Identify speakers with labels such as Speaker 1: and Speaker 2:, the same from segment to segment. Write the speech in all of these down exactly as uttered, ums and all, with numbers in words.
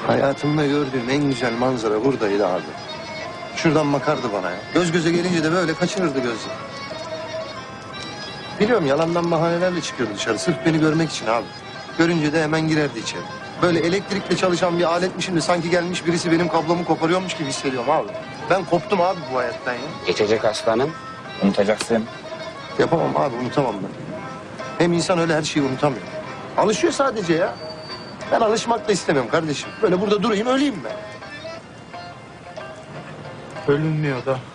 Speaker 1: Hayatımda gördüğüm en güzel manzara buradaydı abi. Şuradan bakardı bana ya. Göz göze gelince de böyle kaçırırdı gözü. Biliyorum yalandan bahanelerle çıkıyordu dışarı. Sırf beni görmek için abi. Görünce de hemen girerdi içeri. Böyle elektrikle çalışan bir aletmişim de sanki gelmiş birisi benim kablomu koparıyormuş gibi hissediyorum abi. Ben koptum abi bu hayattan ya.
Speaker 2: Geçecek aslanım. Unutacaksın.
Speaker 1: Yapamam abi, unutamam ben. Hem insan öyle her şeyi unutamıyor. Alışıyor sadece ya. Ben alışmak da istemiyorum kardeşim. Böyle burada durayım, öleyim ben.
Speaker 3: Ölünmüyor da.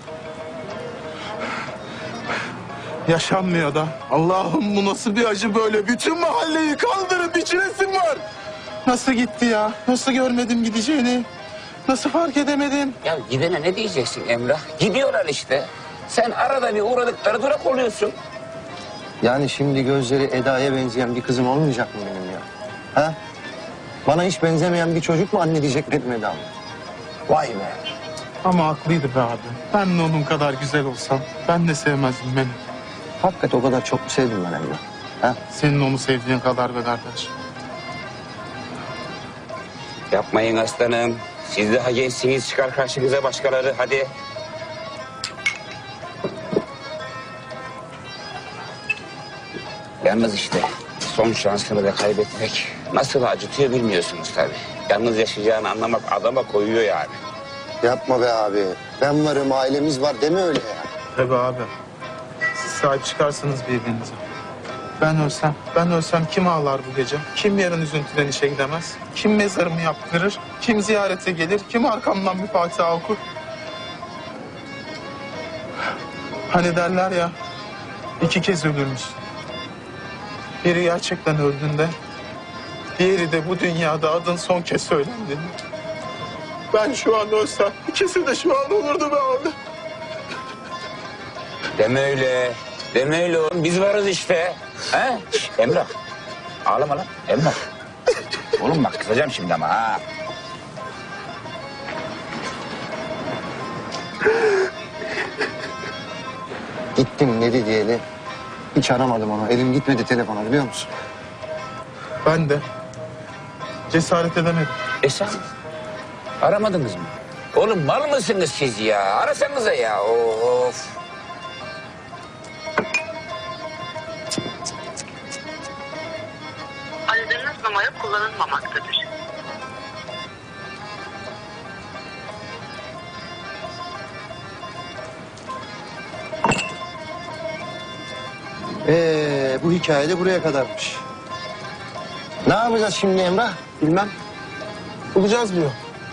Speaker 3: Yaşanmıyor da. Allah'ım bu nasıl bir acı böyle? Bütün mahalleyi kaldırıp içinesim var. Nasıl gitti ya? Nasıl görmedim gideceğini? Nasıl fark edemedim?
Speaker 2: Ya gidene ne diyeceksin Emrah? Gidiyorlar işte. Sen arada bir uğradıkları durak oluyorsun.
Speaker 1: Yani şimdi gözleri Eda'ya benzeyen bir kızım olmayacak mı benim ya? Ha? Bana hiç benzemeyen bir çocuk mu anne diyecek benim Eda'm? Vay be.
Speaker 3: Ama haklıydı be abi. Ben de onun kadar güzel olsam ben de sevmezdim beni.
Speaker 1: Hakikaten o kadar çok mu sevdim ben Emrah? Ha?
Speaker 3: Senin onu sevdiğin kadar be kardeş.
Speaker 2: Yapmayın aslanım. Siz daha gençsiniz. Çıkar karşınıza başkaları. Hadi. Yalnız işte son şansını da kaybetmek nasıl acıtıyor bilmiyorsunuz tabii. Yalnız yaşayacağını anlamak adama koyuyor yani.
Speaker 1: Yapma be abi. Ben varım, ailemiz var deme öyle ya.
Speaker 3: Tabii abi. Siz sahip çıkarsınız birbirinize. Ben ölsem, ben ölsem kim ağlar bu gece? Kim yarın üzüntüden işe gidemez? Kim mezarımı yaptırır? Kim ziyarete gelir? Kim arkamdan bir Fatiha okur? Hani derler ya, iki kez ölürmüş. Biri gerçekten öldüğünde, diğeri de bu dünyada adın son kez söylendiğinde. Ben şu an ölsem, ikisi de şu an olurdu be abi.
Speaker 2: Deme öyle. Deme öyle oğlum. Biz varız işte. He? Şş, Emrah. Ağlama lan. Emrah. Oğlum bak kızacağım şimdi ama ha.
Speaker 1: Gittim dedi diyeli. Hiç aramadım onu. Elim gitmedi telefona biliyor musun?
Speaker 3: Ben de cesaret edemedim.
Speaker 2: E sen? Aramadınız mı? Oğlum mal mısınız siz ya? Arasanıza ya. Of.
Speaker 4: Aradığınız numara kullanılmamaktadır.
Speaker 1: Ee, bu hikaye de buraya kadarmış. Ne yapacağız şimdi Emrah? Bilmem.
Speaker 3: Bulacağız diyor.